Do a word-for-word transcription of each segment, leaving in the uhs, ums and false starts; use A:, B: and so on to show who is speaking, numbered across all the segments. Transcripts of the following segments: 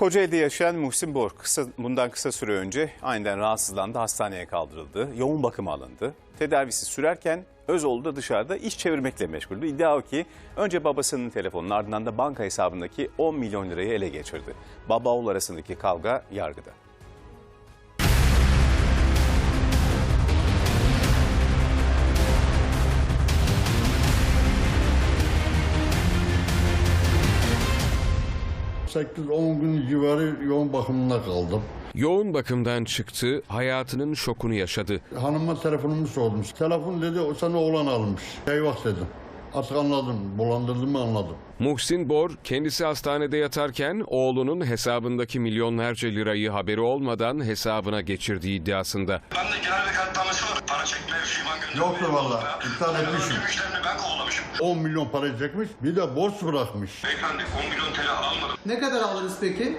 A: Kocaeli'de yaşayan Muhsin Bor kısa, bundan kısa süre önce aniden rahatsızlandı, hastaneye kaldırıldı, yoğun bakıma alındı. Tedavisi sürerken Özoğlu da dışarıda iş çevirmekle meşguldü. İddia o ki önce babasının telefonunun ardından da banka hesabındaki on milyon lirayı ele geçirdi. Baba oğul arasındaki kavga yargıda.
B: sekiz on gün civarı yoğun bakımında kaldım.
C: Yoğun bakımdan çıktı, hayatının şokunu yaşadı.
B: Hanıma telefonumu sordum. Telefon dedi, o sana oğlan almış. Eyvah dedim. Artık anladım, bulandırdığımı anladım.
C: Muhsin Bor, kendisi hastanede yatarken oğlunun hesabındaki milyonlarca lirayı haberi olmadan hesabına geçirdiği iddiasında.
D: Ben de genel vekaletnamesi var. Para çekmeye şivan gönderdim.
B: Yoktur valla, iptal etmişim.
D: Ben kovalamışım.
B: on milyon para çekmiş, bir de borç bırakmış.
D: Beyefendi on milyon T L almadım.
E: Ne kadar aldınız peki?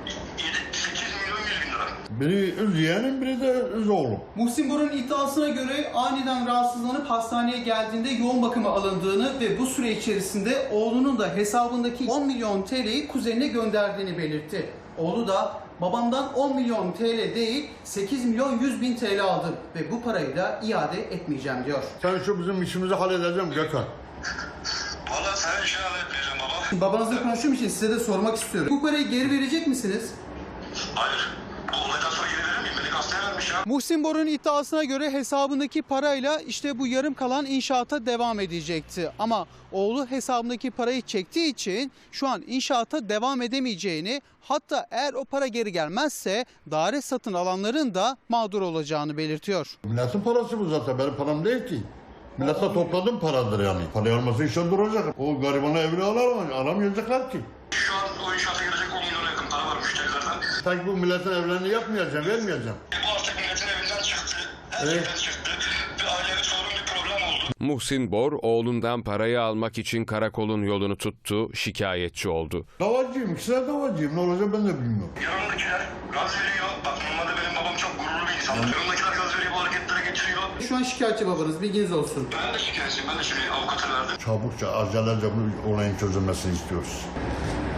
D: sekiz milyon yüz bin lira.
B: Biri öz yeğenim, biri de öz oğlum.
E: Muhsin Bor'un iddiasına göre aniden rahatsızlanıp hastaneye geldiğinde yoğun bakıma alındığını ve bu süre içerisinde oğlunun da hesabındaki on milyon T L'yi kuzenine gönderdiğini belirtti. Oğlu da babamdan on milyon T L değil sekiz milyon yüz bin T L aldım ve bu parayı da iade etmeyeceğim diyor.
B: Sen şu bizim işimizi halledeceğim Gökhan.
D: Valla sen işini halletmeyeceğim baba.
E: Babanızla konuştuğum için size de sormak istiyorum. Bu parayı geri verecek misiniz?
D: Hayır. Bu olaydan sonra geri verir miyim? Beni hastaya vermiş ya.
E: Muhsin Bor'un iddiasına göre hesabındaki parayla işte bu yarım kalan inşaata devam edecekti. Ama oğlu hesabındaki parayı çektiği için şu an inşaata devam edemeyeceğini, hatta eğer o para geri gelmezse daire satın alanların da mağdur olacağını belirtiyor.
B: Milletin parası bu zaten, benim param değil ki. Millete topladığım paradır yani. Parayı alması işten duracak. O garibana evini alamaz, alamayacaklar ki.
D: Şu an o inşaata girecek on milyona yakın para var müşterilerden.
B: Sanki bu milletin evlerini yapmayacağım, vermeyeceğim.
D: E bu artık milletin evinden çıktı. Her
B: Evet.
D: şeyden çıktı. Bir ailevi sorun, bir problem oldu.
C: Muhsin Bor, oğlundan parayı almak için karakolun yolunu tuttu, şikayetçi oldu.
B: Davacıyım, ikisine davacıyım. Ne olacak ben de bilmiyorum.
D: Yanımdakiler gaz veriyor. Bak normalde benim babam çok gururlu bir insandır. Yanımdakiler gaz veriyor, bu hareketlere getiriyor.
E: Şu an şikayetçi babanız, bilginiz olsun.
D: Ben de şikayetçiyim. Ben de şimdi avukata verdim.
B: Çabukça, acelece bu olayın çözülmesini istiyoruz.